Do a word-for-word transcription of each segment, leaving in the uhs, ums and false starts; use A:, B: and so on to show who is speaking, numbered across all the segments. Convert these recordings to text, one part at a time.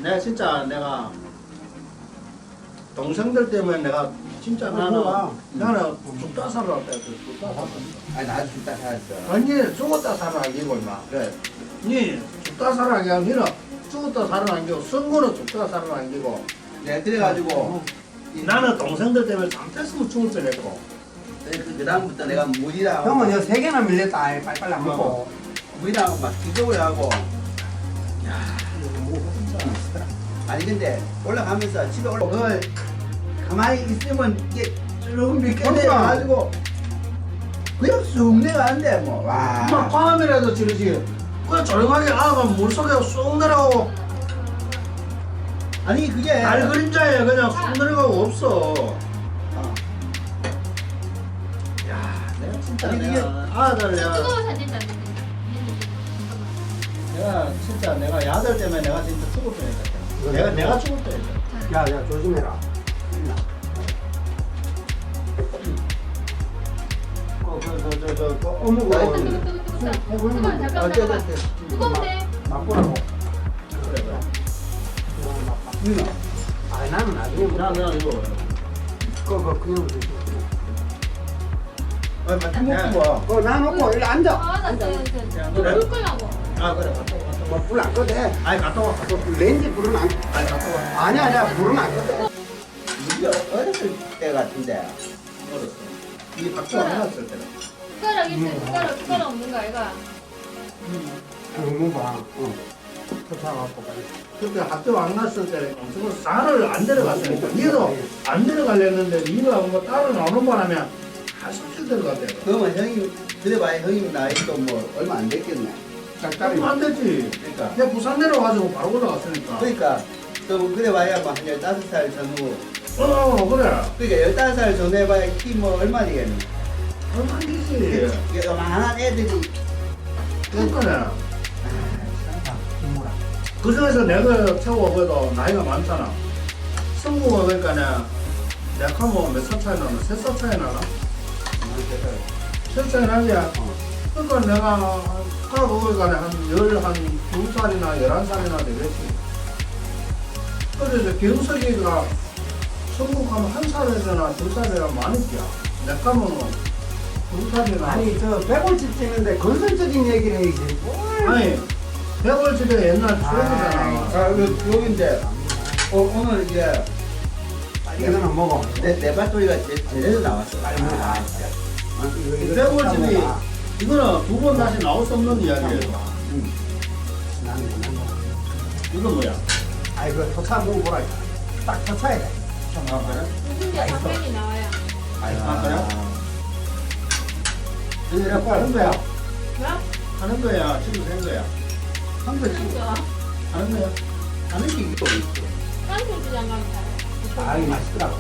A: 내가 진짜 내가 동생들 때문에 내가 진짜 나는 나는 죽다 살아왔다 했어. 죽다 살아왔다.
B: 아니 나 죽다 살았어.
A: 아니 죽었다 살아나기고 임마. 그래. 니 죽다 살아나기고 니는 죽었다 살아나기고 선거는 죽다 살아나기고.
B: 내가 그래가지고
A: 나는 동생들 때문에 잠됐으면 죽을 뻔했고.
B: 그 다음부터 내가 물이랑
C: 형은 이거 세 개나 밀렸다. 아이, 빨리빨리 안 먹고.
B: 물이랑 막 기적을 하고. 야, 아니 근데 올라가면서 집에 올라 그걸 가만히 있으면 이게 쭉 밀게 내가지고 그냥 쑥 내가는데 뭐 와.
A: 막 밤이라도 지르지. 그냥 조용하게 아가 물속에 쑥 내려가고
B: 아니 그게
A: 달 그림자에 그냥 쑥 내려가고 없어.
B: 어.
A: 야, 내가 진짜
B: 아니,
A: 내가 아들 내가
D: 뜨거워 사진 안 되는데.
A: 내가 진짜 내가 야들 때문에 내가 진짜 죽을 뻔했다. 내가 내가 죽을 뻔했다.
C: 야, 야, 조심해라.
A: 그저저저 그,
C: 어묵
D: 뜨거
C: 어,
D: 뜨거 뜨거 뜨거. 잠깐 잠깐
B: 어째
D: 잠깐.
B: 어째
D: 뜨거운데.
C: 맛보라고.
A: 그래 그래.
B: 누나
C: 아, 나는 나중에 뭐.
A: 나 내가 이거
C: 그거 그냥 드시고.
B: 아 맞지 먹고 와.
C: 그거 놔놓고 일로 앉아.
D: 아, 나
A: 그래.
D: 물 끓라고.
A: 아 그래 갔다 와 갔다 와.
C: 뭐 불 안 꺼도 돼.
A: 아니 갔다 와 갔다 와.
C: 렌즈 불은 안.
A: 아니 갔다 와.
C: 아니야, 아니야, 불은 안 꺼도 돼.
B: 우리가 어렸을 때 같은데
A: 어렸어. 이 박수 안 해놨을 때는.
D: 숟가락 있어. 숟가락 숟가락 없는 거 아이가?
C: 너무 봐. 어. 터쳐갖고 빨리.
A: 그때 학교 안 갔을 때 엄청 산을 안 내려갔으니까 니도 안 내려가려는데 니가 뭐 따로 나오는 바람에 한숨씩 들어갔대.
B: 그러면 형이 그래봐야 형님 나이도 뭐 얼마 안 됐겠네.
C: 짝짝이.
A: 그럼 안 되지.
B: 그러니까
A: 내가 부산 내려가지고 바로 올라갔으니까.
B: 그러니까 그럼 그래봐야 뭐한 열다섯 살 전후.
A: 어 그래.
B: 그러니까 열다섯 살 전후 해봐야 키 뭐 얼마 되겠니?
A: 그럼 안 되지.
B: 이게 요만한 애들이
A: 그러니까
C: 국물아.
A: 그 중에서 내가 최고 그래도 나이가 많잖아. 성구가 그러니까 내가 하면 몇 살 차이 나나? 세 살 차이 나나? 세 살 차이 나지? 그러니까 내가 가고 그러니까 한 열한 두 살이나 열한 살이나 되겠지. 그래서 경석이가 성국하면 한 살이나 두 살이나 많을게야. 내가 하면 두 살이나.
C: 아니, 저 백골집 찍는데 건설적인 얘기를 해야지. 뭘.
A: 아니 백월집에 옛날 추억이잖아.
B: 아 요- 여긴데 어, 오늘 이제
C: 이거는 먹어.
B: 내, 내 밭돌이가 제, 제대로 나왔어.
C: 빨리 먹어.
B: 아, 진짜.
A: 백월집이 이거는 두 번 다시 나올 수 없는 이야기예요.
B: 응.
C: 나는 그냥 먹어.
A: 이건 뭐야?
C: 아이, 그 토차 먹어보라. 딱 토차야 돼.
A: 아 그래?
D: 무슨 게 당면이 나와요.
A: 아 그래?
C: 이렇게
A: 하는 거야?
D: 뭐야?
A: 하는 거야? 지금 된 거야? 한 거지?
D: 하는 거.
A: 하는 거야? 하는 게 이거 있어.
D: 깐소주장 가면 잘.
C: 아, 이 맛있더라고.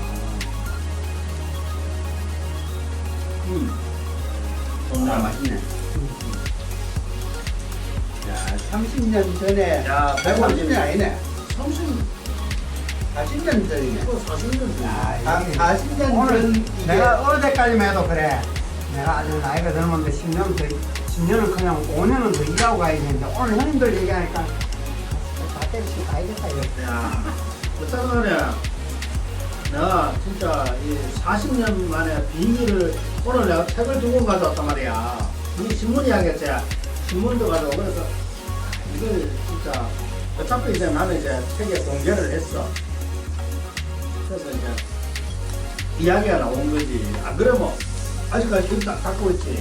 A: 음.
B: 아, 맛있네. 야, 삼십 년 전에.
A: 야,
B: 삼십 년 아니네.
A: 삼십,
B: 사십 년 전이네.
A: 이거 사십 년 전.
C: 야,
B: 아,
C: 이게
B: 사십 년
C: 오늘
B: 전. 이게
C: 내가 어제까지만 해도 그래. 내가 아주 나이가 젊은데 십 년 더, 십 년은 그냥 오 년은 더 일하고 가야 되는데 오늘 형님들 얘기하니까 다 때리시고 가야겠다 이거.
A: 야, 어쩌면에 내가 진짜 이 사십 년 만에 비밀을 오늘 내가 책을 두 권 가져왔단 말이야. 이 신문 이야기했지. 신문도 가져오고 그래서 이걸 진짜 어차피 이제 나는 이제 책에 공개를 했어. 그래서 이제 이야기가 나온 거지. 안 그러면 아직까지 기억 딱 갖고 있지.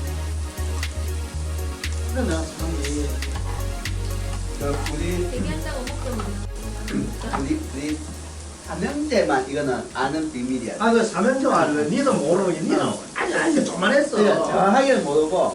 A: 그래 내가 참 이.
B: 그 우리,
D: 얘기한다고 먹던
B: 우리, 우리 삼형제만 이거는 아는 비밀이야.
A: 아, 그 삼연조 알래? 니도 모르고, 니는 아니, 아니, 좀만 했어.
B: 그러니까 정확하게는 모르고